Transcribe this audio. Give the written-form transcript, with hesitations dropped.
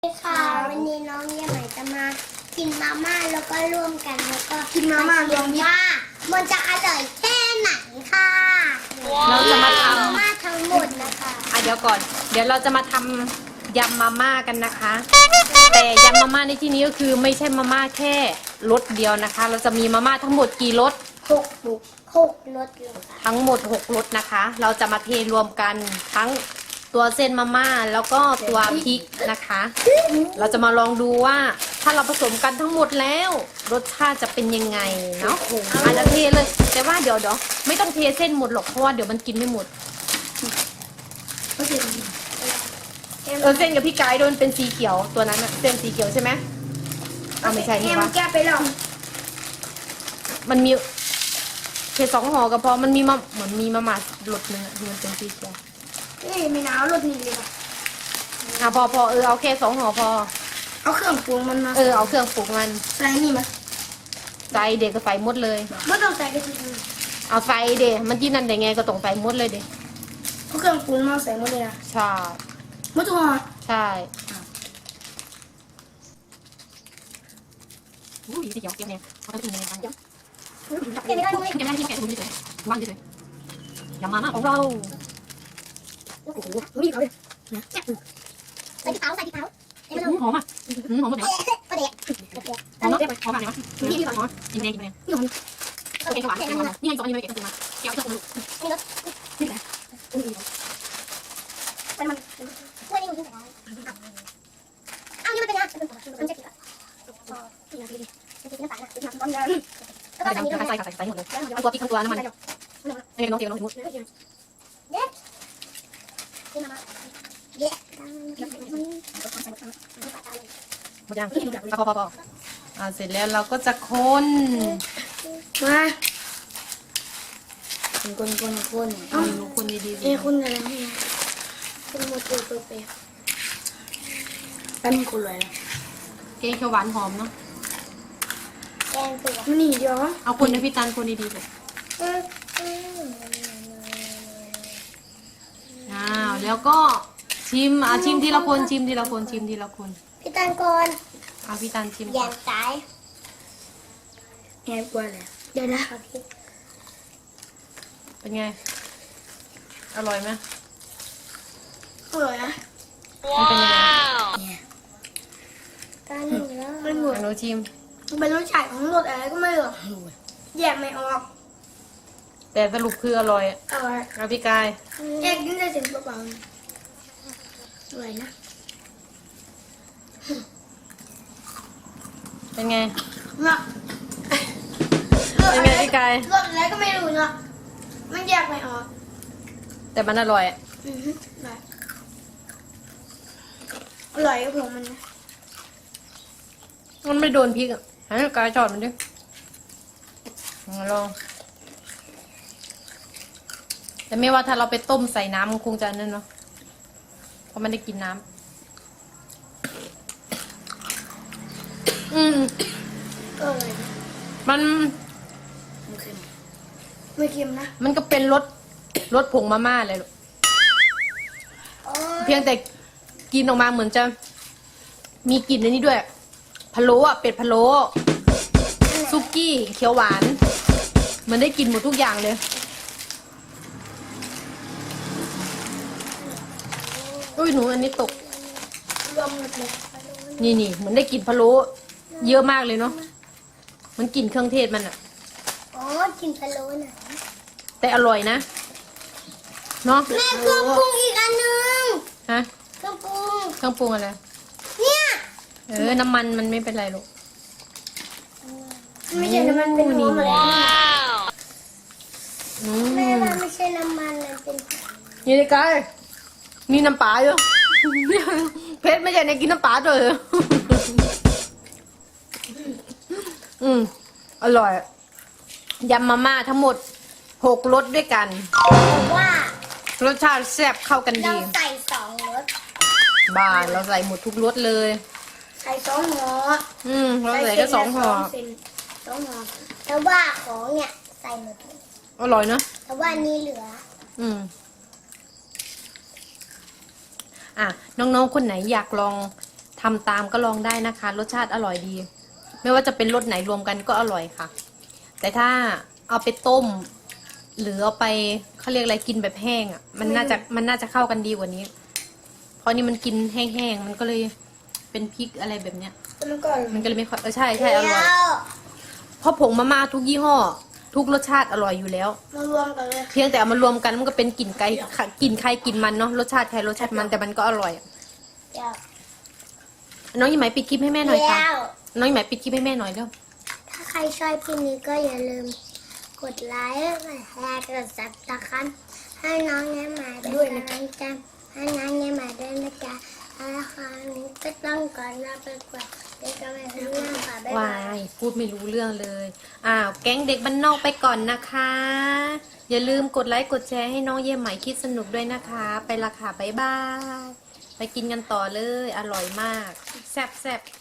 สวัสดีค่ะวันนี้น้องเยี่ยมใหม่จะมากินมาม่าแล้วก็ร่วมกันแล้วก็กินมาม่ารวมมิตรว่ามันจะอร่อยแค่ไหนค่ะเราจะมาทำมาม่าทั้งหมดนะคะเดี๋ยวก่อน เดี๋ยวเราจะมาทำยำมาม่ากันนะคะ แต่ยำมาม่าในที่นี้ก็คือไม่ใช่มาม่าแค่รสเดียวนะคะ เราจะมีมาม่าทั้งหมดกี่รสหกรสเลยค่ะทั้งหมด6รสนะคะ เราจะมาเทรวมกันทั้งตัวเส้นมาม่าแล้วก็ตัวพริกนะคะ เราจะมาลองดูว่าถ้าเราผสมกันทั้งหมดแล้วรสชาติจะเป็นยังไงเนาะอาจจะเทเลย แต่ว่าเดี๋ยวไม่ต้องเทเส้นหมดหรอกเพราะว่าเดี๋ยวมันกินไม่หมด เส้นกับพี่ไก่โดนเป็นสีเขียวตัวนั้นอะเส้นสีเขียวใช่ไหมไม่ใช่นี่วะแก้ไปแล้วมันมีแค่2ห่อก็พอมันมีเหมือนมีมาม่าหลดนึงอะที่มันเป็นสีเขียวนี่ไม่หนาวรถนี่เลยค่ะพอเอาแค่2ห่อพอเอาเครื่องปรุงมันมาเอาเครื่องปรุงมันใส่นี่มาใส่เด็กก็ใส่หมดเลยไม่ต้องใส่กระเทียมเอาใส่เด็มันที่นั่นได้ไงก็ต้องใส่หมดเลยเด็เอาเครื่องปรุงมาใส่หมดเลยนะใช่หมดทุกห่อใช่อู้ยสีเขียวเนี่ยเขาจะเป็นยังไงบ้างเดี๋ยวเก็บไม่ได้ที่แกะถุงเฉยๆวางเฉยๆยำมาม่าของเราโอ้โหนี่เขาเลยใส่ที่เท้าให้มันหอมอ่ะหอมหมดเลยประเดี๋ยวหอมเนาะหอมอะไรวะนี่หอมกินแดงกินแดงนี่ของเก็บหวานนี่ไงสองอันนี้ไปเก็บตัวมาเก็บเครื่องปรุงนี่แหละมันช่วยนี่มันขึ้นไปได้อ้าวนี่มันเป็นยังมันจะกินแบบกินน้ำดีมันจะกินน้ำตาลนะกินน้ำร้อนแล้วก็ใส่นี้ด้วยใส่หมดเลยทั้งตัวพริกทั้งตัวน้ำมันนี่น้องเตียวน้องสมมติเด็ดกินมาเด็ดหมดยังพอเสร็จแล้วเราก็จะคนมาคนดูคนดีๆเอ้คนอะไรเนี่ยคนหมดตัวเปรี้ยวเป็นคนเลยเกงเขียวหวานหอมเนาะแกงตัวมันนี่เดียวเอาคนในพี่ตันคนดีๆเลยแล้วก็ชิมทีละคนชิมทีละคนพี่ตันก่อนเอาพี่ตันชิมแยก่อนงตายแอบกว่าเลยเดี๋ยวนะเป็นไงอร่อยไหมอร่อยนะมันเป็นยังไงกันหนึ่งแล้วมันหมดหนูชิมมันเป็นรสชาติของรสอะไรก็ไม่รู้แยกไม่ออกแต่สรุปคืออร่อยอร่อยเอาพี่กายแยกกินได้ถึงเปล่าๆอร่อยนะเป็นไงเนาะเป็นไงพี่กายรสอะไรก็ไม่รู้เนาะมันแยกไม่ออกแต่มันอร่อยอือฮึได้อร่อยกับผมมันนะมันไม่โดนพริกอ่ะให้กายจอดมันดิลองแต่ไม่ว่าถ้าเราไปต้มใส่น้ำมันคงจะนั่นเนาะเพราะมันได้กินน้ำก็อร่อยนะมันไม่เค็มไม่เค็มนะมันก็เป็นรสผงมาม่าเลยลูกโอ้เพียงแต่กินออกมาเหมือนจะมีกลิ่นในนี้ด้วยพะโล้อะเป็ดพะโล้ซุกี้เขียวหวานมันได้กินหมดทุกอย่างเลยอุ้ยหนูอันนี้ตกรวมหมดเลยนี่เหมือนได้กลิ่นพะโล้เยอะมากเลยเนาะมันกลิ่นเครื่องเทศมันอะอ๋อกินพะโล้น่ะแต่อร่อยนะเนาะแม่เครื่องปรุงอีกอันหนึงฮะเครื่องปรุงเครื่องปรุงอะไรเนี่ยน้ำมันมันไม่เป็นไรลูกไม่ใช่น้ำมันเป็นหัวมาแล้วแม่ว่าไม่ใช่น้ำมันมันเป็นนี่เลยกายมีน้ำปลาอยู่ เพชรไม่ใช่ในกินน้ำปลาด้วยเหรอ อร่อยยำมาม่าทั้งหมด6รสด้วยกันแต่ว่ารสชาติแซ่บเข้ากันเราดีใส่2 รสบ้านเราใส่หมดทุกรสเลยใส่2ห่อเราใส่แค่2ห่อเส้น2ห่อแต่ว่าของเนี่ยใส่หมดเลยอร่อยเนอะแต่ว่านี่เหลือน้องๆคนไหนอยากลองทำตามก็ลองได้นะคะ รสชาติอร่อยดี ไม่ว่าจะเป็นรสไหนรวมกันก็อร่อยค่ะ แต่ถ้าเอาไปต้ม หรือเอาไปเขาเรียกอะไรกินแบบแห้งอ่ะมันน่าจะเข้ากันดีกว่านี้ เพราะนี่มันกินแห้งๆมันก็เลยเป็นพริกอะไรแบบเนี้ยแล้วก่อนมันก็เลยไม่ค่อยใช่อร่อยเพราะผงมาม่าทุกยี่ห้อ ทุกรสชาติอร่อยอยู่แล้วมารวมกันเลยเพียงแต่เอามารวมกันมันก็เป็นกลิ่นไก่กลิ่นใครกลิ่นมันเนาะรสชาติใครรสชาติมันแต่มันก็อร่อยอะเดี๋ยวน้องยี่ไหมปิดคลิปให้แม่หน่อยค่ะเดี๋ยวน้องยี่ไหมปิดคลิปให้แม่หน่อยเร็วถ้าใครชอบคลิปนี้ก็อย่าลืมกดไลค์กดแชร์กดซับสไครต์ให้น้องแง่หมาด้วยนะจ๊ะให้น้องแง่หมาด้วยนะจ๊ะแล้วคราวนี้ก็ต้องก่อนลาไปก่อนเดี๋ยวก็ไปทำงานค่ะบ๊ายวาบายยพูดไม่รู้เรื่องเลยอ้าวแก๊งเด็กบ้านนอกไปก่อนนะคะ อย่าลืมกดไลค์กดแชร์ให้น้องเย่ไหมคิดสนุกด้วยนะคะ ไปละค่ะบ๊ายบายไปกินกันต่อเลยอร่อยมากแซ่บ